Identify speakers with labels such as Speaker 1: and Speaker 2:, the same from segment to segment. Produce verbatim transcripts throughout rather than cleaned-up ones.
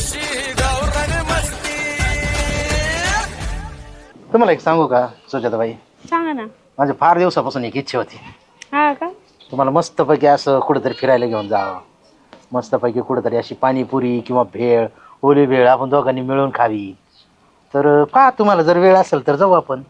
Speaker 1: तुम्हाला एक सांगू का सुजाताबाई,
Speaker 2: सांगा ना.
Speaker 1: माझ्या फार दिवसापासून एक इच्छा होती.
Speaker 2: हा का?
Speaker 1: तुम्हाला मस्तपैकी असं कुठेतरी फिरायला घेऊन जावं. मस्तपैकी कुठेतरी अशी पाणीपुरी किंवा भेळ, ओली भेळ आपण दोघांनी मिळून खावी. तर पहा, तुम्हाला जर वेळ असेल तर जाऊ आपण.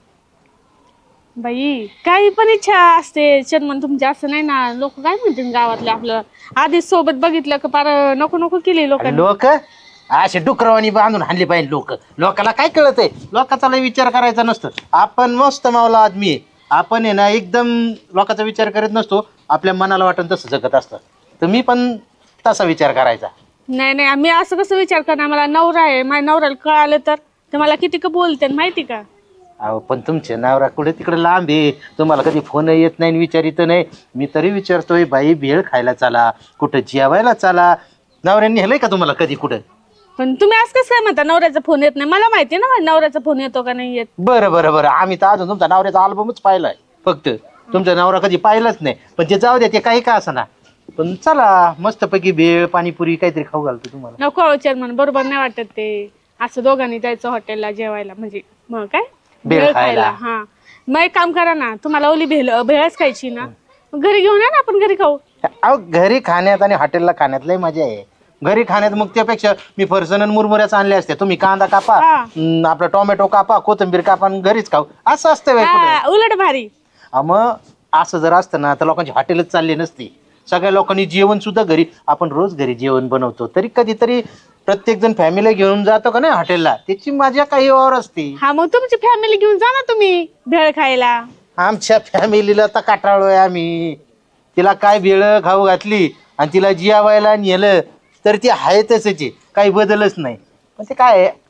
Speaker 2: बाई काही पण इच्छा असते चर्मन तुमची, असं नाही ना. लोक काय म्हणतील गावातले आपलं, आधीच सोबत बघितलं का पार नको नको केली लोकांनी.
Speaker 1: लोक असे डुकरवाणी बांधून हाणली पाहिजे. लोक लोकाला काय कळत आहे? लोकाचा लय विचार करायचा नसतं. आपण मस्त मावला आदमी आहे. आपण आहे ना एकदम लोकांचा विचार करत नसतो. आपल्या मनाला वाटून तसं जगत असतं. तर मी पण तसा विचार करायचा.
Speaker 2: नाही नाही, मी असं कसं विचार करणार? मला नवरा आहे, माझ्या नवऱ्याला कळालं तर ते मला किती का बोलते माहिती का?
Speaker 1: अहो पण तुमचे नवरा कुठे तिकडे लांब आहे. तुम्हाला कधी फोन येत नाही, विचारित नाही. मी तरी विचारतोय, बाई भेळ खायला चला, कुठं जेवायला चला. नवऱ्यांनी हेलय का तुम्हाला कधी कुठं?
Speaker 2: पण तुम्ही असं कसं काय म्हणता नवऱ्याचा फोन येत नाही? मला माहिती ना माझ्या नवऱ्याचा फोन येतो का नाही येत.
Speaker 1: बरं बरं बरं, आम्ही तर अजून तुमचा नवऱ्याचा अल्बमच पाहिलाय फक्त. तुमचा नवरा कधी पाहिलाच नाही. पण ते जाऊ द्या, ते काही का असं ना. पण चला मस्तपैकी भेळ पाणीपुरी काहीतरी खाऊ घालतो तुम्हाला.
Speaker 2: नको चेअरमन, बरोबर नाही वाटत ते. असं दोघांनी जायचं हॉटेलला जेवायला, म्हणजे मग काय
Speaker 1: भेळ खायला.
Speaker 2: हा मग एक काम करा ना, तुम्हाला ओली भेळ भेळच खायची ना, मग घरी घेऊन या ना, आपण घरी खाऊ.
Speaker 1: अहो घरी खाण्यात आणि हॉटेलला खाण्यात लय मजा आहे. घरी खाण्यात मग त्यापेक्षा मी फरसन आणि मुरमुऱ्याच आणले असते. तुम्ही कांदा कापा, अं, आपला टोमॅटो कापा, कोथिंबीर कापा आणि घरीच खाऊ. असं असतं बाई कुठं.
Speaker 2: हा, उलट भारी.
Speaker 1: अं, मग असं जर असतं ना तर लोकांची हॉटेलच चालली नसती. सगळ्या लोकांनी जेवण सुद्धा घरी, आपण रोज घरी जेवण बनवतो, तरी कधीतरी प्रत्येक जण फॅमिली घेऊन जातो का नाही हॉटेलला, त्याची मजा काही और असते.
Speaker 2: हा मग तुमची फॅमिली घेऊन जा ना तुम्ही भेळ खायला.
Speaker 1: आमच्या फॅमिलीला तर काटाळलोय आम्ही. तिला काय भेळ खाऊ घातली आणि तिला जेवायला नेलं तर ती आहे तसंच, काही बदलच नाही. पण ते काय आहे,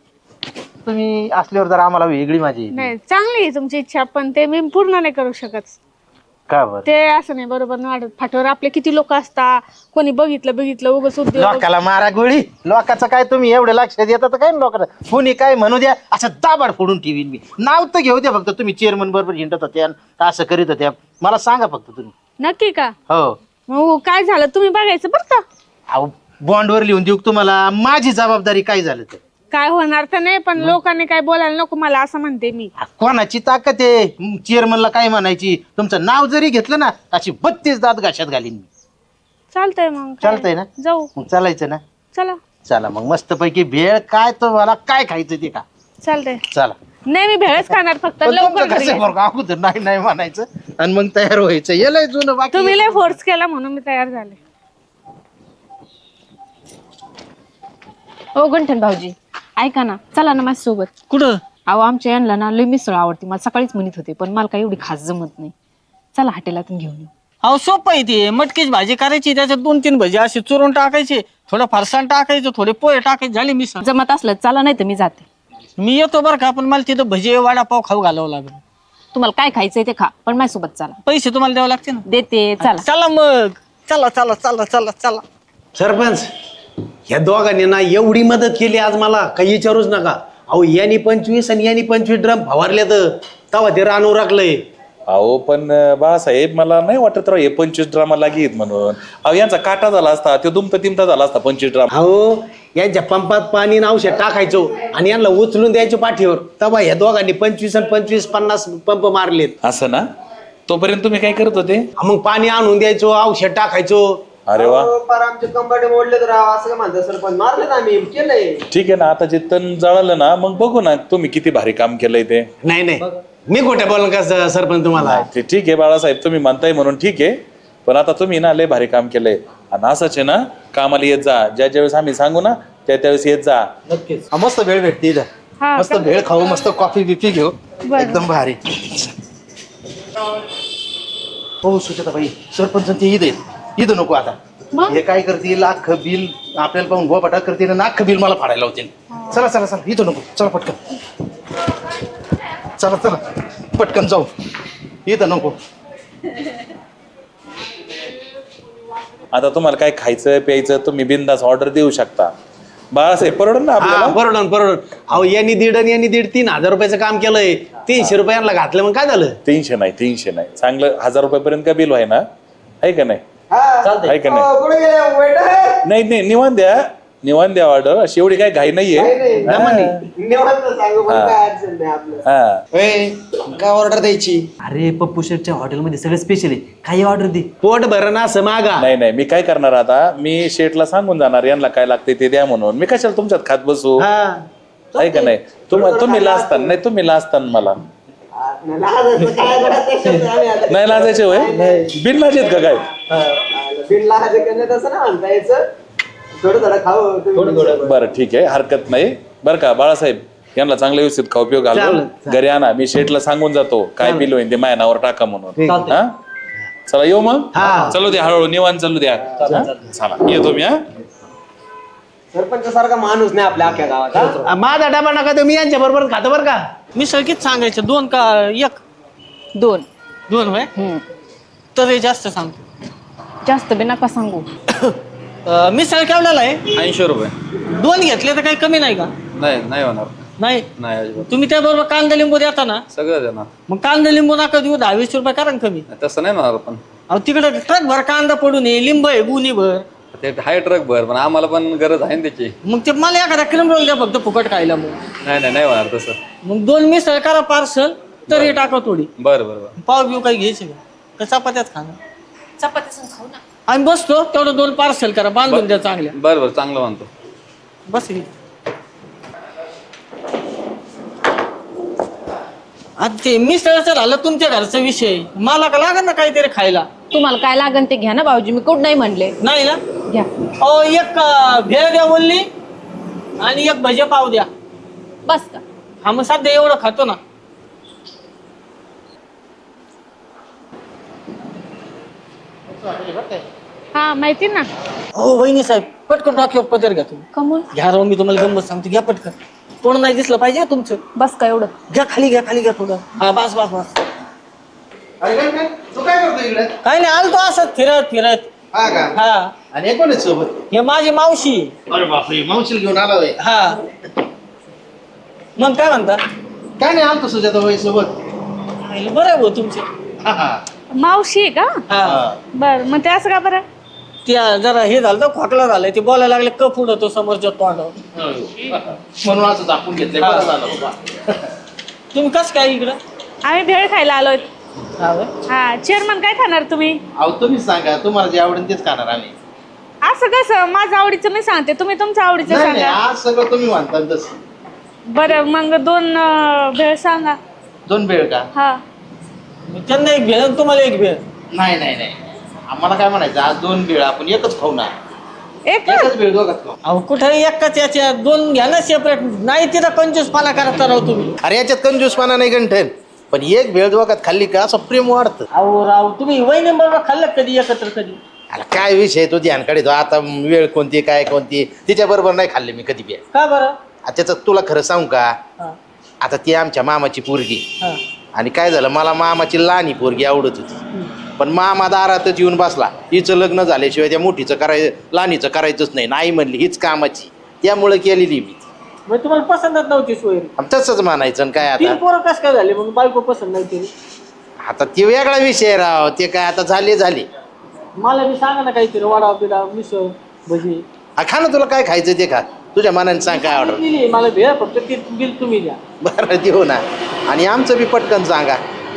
Speaker 1: तुम्ही असल्यावर जर आम्हाला वेगळी माझी येते.
Speaker 2: नाही चांगली आहे तुमची इच्छा, पण ते मी पूर्ण नाही करू शकत.
Speaker 1: का बरं?
Speaker 2: ते असं नाही, बरोबर नाही वाटत. फाट्यावर आपले किती लोक असतात, कोणी बघितलं बघितलं उगाच उद्योग.
Speaker 1: लोकाला मारा गोळी. लोकांचं काय तुम्ही एवढे लक्ष देतात काय लोकांना? कोणी काय म्हणू द्या, असं दाबाड फोडून ठेवीन मी. नाव तर घेऊ द्या फक्त. तुम्ही चेअरमन बरोबर हिंडत होत्या, असं करीत होत्या, मला सांगा फक्त तुम्ही.
Speaker 2: नक्की का?
Speaker 1: हो.
Speaker 2: मग काय झालं तुम्ही बघायचं बरं का.
Speaker 1: अहो बॉन्डवर लिहून देऊ तुम्हाला, माझी जबाबदारी. काय झालं तर
Speaker 2: काय होणार तर नाही, पण लोकांनी काय बोलायला नको मला, असं म्हणते मी.
Speaker 1: कोणाची ताकद आहे चेअरमनला काय म्हणायची? तुमचं नाव जरी घेतलं ना, अशी बत्तीस दात घाशात घालीन मी.
Speaker 2: चालतंय मग काय?
Speaker 1: चालतंय ना?
Speaker 2: जाऊ
Speaker 1: मग चालायचं ना?
Speaker 2: चला
Speaker 1: चला मग मस्तपैकी भेळ. काय तुम्हाला काय खायचं ते का?
Speaker 2: चालतंय.
Speaker 1: चला.
Speaker 2: नाही मी भेळच खाणार फक्त.
Speaker 1: पण
Speaker 2: लवकर
Speaker 1: तुमचं
Speaker 2: घरी
Speaker 1: कसं
Speaker 2: या.
Speaker 1: बरं का, अगोदर नाही नाही म्हणायचं आणि मग तयार व्हायचं. येलय जुनं बाकी.
Speaker 2: तुम्ही लय फोर्स केला म्हणून मी तयार झाले.
Speaker 3: हो गंठन भाऊजी, ऐका ना, चला ना माझ्यासोबत.
Speaker 4: कुठं?
Speaker 3: अहो आमच्या यांना ना लय मिसळ आवडते. मला सकाळीच म्हणत होते, पण मला काही एवढी खास जमत नाही. चला हॉटेलातून घेऊन येऊ.
Speaker 4: अहो सोपं आहे ते. मटकीची भाजी करायची, त्याच्यात दोन तीन भजी असे चुरून टाकायचे, थोडं फरसाण टाकायचं, थोडे पोहे टाकायचे, झाली मिसळ.
Speaker 3: जमत असलं चला, नाही तर मी जाते.
Speaker 4: मी येतो बरं का, पण मला तिथं भजी वडापाव खाऊ घालावं लागेल.
Speaker 3: तुम्हाला काय खायचंय ते खा, पण माझ्यासोबत चला.
Speaker 4: पैसे तुम्हाला द्यावं लागते ना.
Speaker 3: देते, चला.
Speaker 4: चला मग, चला चला चला चला चला.
Speaker 5: सरपंच, ह्या दोघांनी ना एवढी मदत केली आज मला, काही विचारूच नका. अहो यांनी पंचवीस आणि यांनी पंचवीस ड्रम फवारले, तर तवा ते रानू राखलंय.
Speaker 6: अहो पण बाळासाहेब, मला नाही वाटत राव हे पंचवीस ड्रामा लागेल म्हणून. अहो यांचा काटा झाला असता, तो दुमता तिमता झाला असता पंचवीस ड्रामा.
Speaker 5: अहो यांच्या पंपात पाणी आणि औषध टाकायचो आणि यांना उचलून द्यायचो पाठीवर, तवा ह्या दोघांनी पंचवीस आणि पंचवीस पन्नास पंप मारलेत.
Speaker 6: असं ना? तोपर्यंत तुम्ही काय करत होते?
Speaker 5: मग पाणी आणून द्यायचो, औषध टाकायचो.
Speaker 6: अरे वा,
Speaker 7: आमचे कंबाटे मोडले तर असं काय म्हणतात सरपंच? मारले ना आम्ही, केलंय.
Speaker 6: ठीक आहे ना. आता जे तण जळालं ना, मग बघू ना तुम्ही किती भारी काम केलंय ते.
Speaker 5: नाही नाही, मी खोट्या बोलन का स- सरपंच तुम्हाला?
Speaker 6: ते ठीक आहे बाळासाहेब, तुम्ही म्हणताय म्हणून ठीक आहे. पण आता तुम्ही ना लय भारी काम केलंय. आणि असंच आहे ना, कामाला येत जा. ज्या ज्यावेळेस आम्ही सांगू ना, त्या त्यावेळेस येत जा.
Speaker 1: नक्कीच. मस्त भेळ भेटते इथं.
Speaker 2: हा,
Speaker 1: मस्त भेळ खाऊ, मस्त कॉफी बिफी घेऊ, एकदम भारी. हो सुजाताबाई, सरपंच ते ईद आहेत. ईद नको आता. हे काय करतील, अख्खं बिल आपल्याला पाहून गोपाटा करतील आणि अख्खं बिल मला फाडायला होतील. चला चला चला, इथं नको. चला पटकन, चला चला पटकन जाऊ. इथं नको.
Speaker 6: आता तुम्हाला काय खायचं प्यायचं तुम्ही बिंदास ऑर्डर देऊ शकता. बाळासाहेब परवडून ना
Speaker 5: हा
Speaker 6: आपल्याला?
Speaker 5: परवडून परवडून. अहो यांनी दीड आणि यांनी दीड तीन हजार रुपयाचं काम केलंय. तीनशे रुपयांना घातलं, मग काय झालं?
Speaker 6: तीनशे नाही तीनशे नाही, चांगलं हजार रुपयापर्यंत का बिल आहे ना? आहे का नाही? आहे का नाही?
Speaker 7: कुठे गेले वेटर?
Speaker 6: नाही नाही निवांत द्या. निवांत द्या ऑर्डर, अशी एवढी काही घाई नाहीये.
Speaker 7: निवांत सांगू पण काय अडचण नाही आपलं.
Speaker 6: हा
Speaker 5: काय ऑर्डर द्यायची?
Speaker 8: अरे पप्पू शेठच्या हॉटेलमध्ये सगळं स्पेशल आहे, काही ऑर्डर दे.
Speaker 5: पोट भरण असं मागा.
Speaker 6: नाही नाही, मी काय करणार आता, मी शेठला सांगून जाणार यांना काय लागते ते द्या म्हणून. मी कशाला तुमच्यात खात बसू,
Speaker 5: हा
Speaker 6: आहे का नाही? तुम तुम्ही लाजताना, नाही तुम्ही लाजताना मला
Speaker 7: आ, नाही, लाजायचं काय लाजायचं शब्द आम्ही आता-
Speaker 6: नाही लाजायचे होय, बिन लाजेत का काय?
Speaker 7: बिन लाजायचं का नाही तसं ना म्हणता यायचं. थोडं थोडं खाऊ तुम्ही.
Speaker 6: बरं ठीक आहे, हरकत नाही. बरं का बाळासाहेब, यांना चांगलं व्यवस्थित खाऊ पिऊ घालून घरी आणा. मी शेठला सांगून जातो काय बिल होईल ते माझ्या नावावर टाका म्हणून. हा चला येऊ मग. चालू द्या हळूहळू, निवांत चालू द्या. हा? चला येतो मी. हा
Speaker 7: सरपंच सारखा माणूस नाही आपल्या अख्ख्या गावात हा?
Speaker 5: माझा डबा नका तुम्ही यांच्या बरोबर खातो बरं का.
Speaker 4: मिसळ किती सांगायचं, दोन का एक?
Speaker 3: दोन.
Speaker 4: दोन होय.
Speaker 3: हम्म.
Speaker 4: तर हे जास्त सांगतो.
Speaker 3: जास्त बी नका सांगू.
Speaker 4: अं, मिसळ केवढ्याला आहे?
Speaker 9: ऐंशी रुपये.
Speaker 4: दोन घेतले तर काही कमी नाही का?
Speaker 9: नाही नाही होणार.
Speaker 4: नाही.
Speaker 9: नाही अजिबात.
Speaker 4: तुम्ही त्याबरोबर कांदा लिंबू देता ना,
Speaker 9: सगळं देणार.
Speaker 4: मग कांदा लिंबू नका देऊ, दहा वीस रुपये करा ना कमी.
Speaker 9: तसं नाही होणार. पण
Speaker 4: अहो तिकडे ट्रक भर कांदा पडून ये, लिंब आहे गुन्ही भर.
Speaker 9: ते हाय ट्रक भर, पण आम्हाला पण गरज आहे ना त्याची.
Speaker 4: मग ते मला एखादा क्रीम रोल द्या फक्त फुकट खायला. मग
Speaker 9: नाही नाही नाही होणार तसं.
Speaker 4: मग दोन मिसळ करा पार्सल, तरी टाका थोडी.
Speaker 9: बरं बरं बरं.
Speaker 4: पाव बिव काही घ्यायचे का? का चपात्याच खाणं?
Speaker 3: चपाती खाऊ ना.
Speaker 4: आम्ही बसतो तेवढं दोन पार्सल करा, बांधून द्या चांगल्या.
Speaker 9: बरं बरं चांगलं म्हणतो.
Speaker 4: बस इथे. आता ते मिसळचं झालं तुमच्या घरचा विषय, मला का लागेल ना काहीतरी खायला.
Speaker 3: तुम्हाला काय लागन ते घ्या ना भाऊजी, मी कुठं नाही म्हणले.
Speaker 4: नाही ना?
Speaker 3: घ्या.
Speaker 4: अहो एक अं, भेळ द्या बोलली आणि एक भजे पाव द्या.
Speaker 3: बस का?
Speaker 4: हा मग सध्या एवढं खातो ना.
Speaker 2: हा माहिती ना.
Speaker 4: हो वहिनी साहेब, पटकन डॉक्युमेंट पदर घ्या तुम्ही.
Speaker 3: कमून?
Speaker 4: घ्या राव, मी तुम्हाला गंमत सांगतो, घ्या पटकन. कोण नाही दिसलं पाहिजे ना तुमचं.
Speaker 3: बस का एवढं?
Speaker 4: घ्या खाली, घ्या खाली, घ्या थोडं. हा बस बस बस.
Speaker 1: अरे काय काय तू काय करतो इकडे?
Speaker 4: काय नाही, आलतो असंच फिरत फिरत.
Speaker 1: हा का?
Speaker 4: हा
Speaker 1: आणि हे कोण आहे सोबत?
Speaker 4: हे माझी मावशी.
Speaker 1: अरे बापरे, मावशीला घेऊन आला होय.
Speaker 4: हा मग काय म्हणता?
Speaker 1: काय नाही, आमचं सुजाता बाई सोबत.
Speaker 4: बरं आहे भाऊ तुमचे.
Speaker 1: हा हा
Speaker 2: मावशी आहे का?
Speaker 4: हा
Speaker 2: बर मग ते असं का बरं?
Speaker 4: त्या जरा हे झालं तर खोकला झालाय, ते बोलायला लागले कफ उडतो समोरच्या तोंडावर.
Speaker 1: म्हणून असं दाखवून घेतलंय. बरं झालं बाबा.
Speaker 4: तुम्ही कसं काय इकडं?
Speaker 2: आम्ही भेळ खायला आलोय.
Speaker 4: हा व्हय?
Speaker 2: हा चेअरमन काय खाणार तुम्ही?
Speaker 1: अहो तुम्हीच सांगा, तुम्हाला जे आवडेल तेच खाणार आम्ही.
Speaker 2: असं कसं? माझं आवडीचं मी सांगते, तुम्ही तुमच्या आवडीचं
Speaker 1: नाही नाही,
Speaker 2: सांगा.
Speaker 1: आज सगळं तुम्ही म्हणता तसं.
Speaker 2: बरं मग दोन अं, भेळ सांगा.
Speaker 1: दोन भेळ का?
Speaker 2: हा
Speaker 4: मग त्यांना एक भेळ आणि तुम्हाला एक भेळ.
Speaker 1: नाही नाही नाही, आम्हाला काय म्हणायचं, आज दोन भेळ आपण एकच खाऊ ना.
Speaker 2: एक
Speaker 1: एकच भेळ दोघात खाऊ.
Speaker 4: अहो कुठे एकाच याच्या दोन घ्या ना सेपरेट. नाही तिथं कंजूसपणा करता राव तुम्ही.
Speaker 1: अरे याच्यात कंजूसपणा नाही गंठन, पण एक भेळ दोघात खाल्ली का असं प्रेम वाढतं.
Speaker 4: अहो राव तुम्ही वहिनी बरोबर खाल्लं कधी एकत्र कधी?
Speaker 1: अरे काय विषय तो ध्यान काढतो आता, वेळ कोणती काय कोणती, तिच्या बरोबर नाही खाल्ले मी कधी बी.
Speaker 4: का बरं?
Speaker 1: त्याचं तुला खरं सांगू का,
Speaker 4: हा
Speaker 1: आता ती आमच्या मामाची पोरगी,
Speaker 4: हा
Speaker 1: आणि काय झालं, मला मामाची लहानी पोरगी आवडत होती, पण मामा दारातच येऊन बसला. हिचं लग्न झाल्याशिवाय त्या मोठीचं कराय लहानीचं करायचंच नाही, नाही म्हणली हीच कामाची, त्यामुळं केलेली मी.
Speaker 4: मग तुम्हाला पसंतच नव्हती सोयरी?
Speaker 1: आणि तसंच म्हणायचं आणि काय
Speaker 4: तीन
Speaker 1: आता.
Speaker 4: पोरं कसं काय झाले मग बायको पसंत नाही केली?
Speaker 1: आता ते वेगळा विषय राव, ते काय आता झाले झाले.
Speaker 4: मला बी सांगा ना काहीतरी, वडा बिडा मिसळ भजी.
Speaker 1: हा, खा ना, तुला काय खायचं ते खा, तुझ्या मनाने सांग काय ऑर्डर.
Speaker 4: दिली मला भेळ, फक्त ते बिल तुम्ही द्या.
Speaker 1: बरं देऊ ना, आणि आमचं बी पटकन सांगा.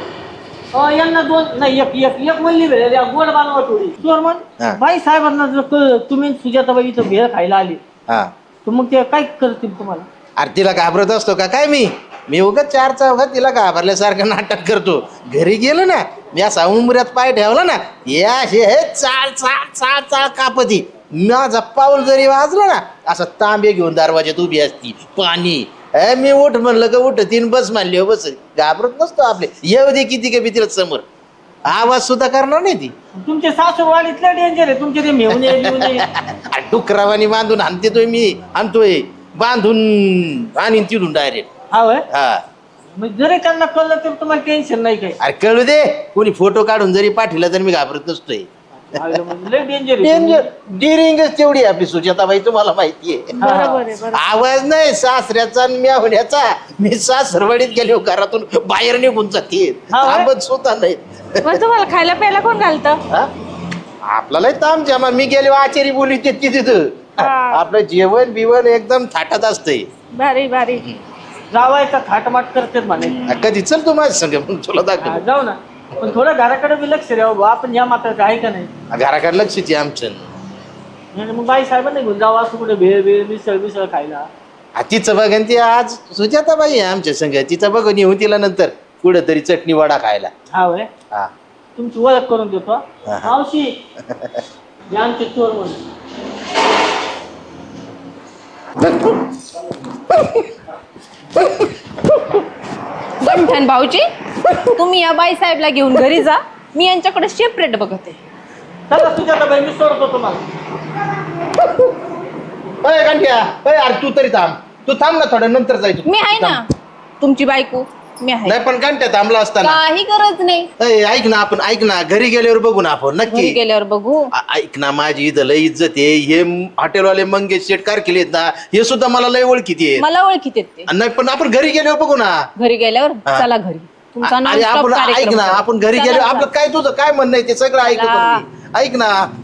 Speaker 4: अ, यांना दोन नाही, एक एक एक म्हणली भेळ द्या, गोड बनवा थोडी. चोर
Speaker 1: हा.
Speaker 4: मग बाई साहेबांना जर क- तुम्ही सुजाताबाई इथं भेळ खायला आली
Speaker 1: हा,
Speaker 4: तर मग ते काय करतील तुम्हाला?
Speaker 1: अरे तिला घाबरत असतो का काय मी मी उगाच चार चौघात तिला घाबरल्यासारखं नाटक करतो. घरी गेलो ना, मी असा उंबऱ्यात पाय ठेवला ना, या हे चाल चाल चाल चाल कापती. माझा पाऊल जरी वाजला ना, असं तांबे घेऊन दरवाज्यात उभी असती, पाणी. ए मी उठ म्हणलं का उठ, तीन बस मानली हो, बस. घाबरत नसतो आपले, येऊ दे किती का भीतीला समोर, आवाज सुद्धा करणार नाही ती.
Speaker 4: तुमचे सासूरवाडीतलं डेंजर आहे, तुमचे ते मेहून
Speaker 1: अरे डुकरावानी बांधून आणते तो मी, आणतोय बांधून आणीन तिथून डायरेक्ट.
Speaker 4: हा होय?
Speaker 1: हा,
Speaker 4: मग जरी त्यांना कळलं तर तुम्हाला टेन्शन नाही काही?
Speaker 1: अरे कळू दे, कोणी फोटो काढून जरी पाठवला तर मी घाबरत नसतोय.
Speaker 4: लय डेंजर आहे.
Speaker 1: डेंजर डिरिंगच तेवढी आहे आपली सुजाताबाई, तुम्हाला माहितीये.
Speaker 2: बरोबर आहे. बरोबर.
Speaker 1: आवाज नाही सासऱ्याचा आणि म्यावण्याचा. मी सासरवाडीत गेलो, घरातून बाहेर निघून जाते,
Speaker 2: हा होय?
Speaker 1: थांबत स्वतः नाही.
Speaker 2: मग तुम्हाला खायला प्यायला कोण घालतं?
Speaker 1: हा? आपल्याला ताम जमा, मी गेलो आचारी बोली ते तिथं आपलं जेवण बिवण एकदम थाटात असतंय.
Speaker 2: भारी भारी.
Speaker 4: जावायचा थाटमाट करतेच म्हणे.
Speaker 1: कधी चल तू माझ्या संग मग तुला
Speaker 4: हा,
Speaker 1: दाखव.
Speaker 4: जाऊ ना पण थोडं घराकडे बी लक्ष द्यावं बुवा. आपण या मात्र आहे का नाही
Speaker 1: घराकडे लक्षच आहे आमचं.
Speaker 4: म्हणजे मग बाई साहेबांना घेऊन जावं असं कुठे भेळ भेळ मिसळ मिसळ खायला.
Speaker 1: हा, तिचं बघन ती आज सुजाताबाई आहे आमच्या संग. तिचं बघून येऊन तिला नंतर कुठं तरी चटणी वडा खायला.
Speaker 4: हा वय
Speaker 1: हा
Speaker 4: तुमची ओळख करून देतो.
Speaker 1: हा.
Speaker 4: मावशी हे आमचे चोर म्हणून.
Speaker 3: गंठन भाऊजी तुम्ही या बाई साहेबला घेऊन घरी जा, मी यांच्याकडे सेपरेट बघते.
Speaker 4: चला सुजाताबाई मी सोडतो तुम्हाला.
Speaker 1: अय गांठ्या, अय अरे तू तरी थांब. तू थांब ना थोडं, नंतर जाय तू.
Speaker 3: मी आहे ना तुमची बायको, मी आहे.
Speaker 1: नाही पण गांठ्या थांबला असताना.
Speaker 3: काही गरज नाही.
Speaker 1: अय, ऐक ना आपण ऐक ना घरी गेल्यावर बघू ना आपण
Speaker 3: घरी
Speaker 1: नक्की.
Speaker 3: गेल्यावर बघू.
Speaker 1: आ- ऐक ना माझी इथं लय इज्जत आहे. हे हॉटेलवाले मंगेश शेट कारकिले आहेत ना, हे सुद्धा मला लय ओळखीत आहेत.
Speaker 3: मला ओळखीत येत ते.
Speaker 1: नाही पण आपण घरी गेल्यावर बघू ना.
Speaker 3: घरी गेल्यावर
Speaker 1: हा.
Speaker 3: चला घरी. तुमचा
Speaker 1: अरे
Speaker 3: non-stop
Speaker 1: आपण ऐक
Speaker 3: कार्यक्रम
Speaker 1: ना
Speaker 3: करू.
Speaker 1: आपण घरी
Speaker 3: चला,
Speaker 1: गेलो
Speaker 3: चला.
Speaker 1: आपलं काय तुझं काय म्हणणं आहे ते सगळं ऐकतो मी. ऐक ना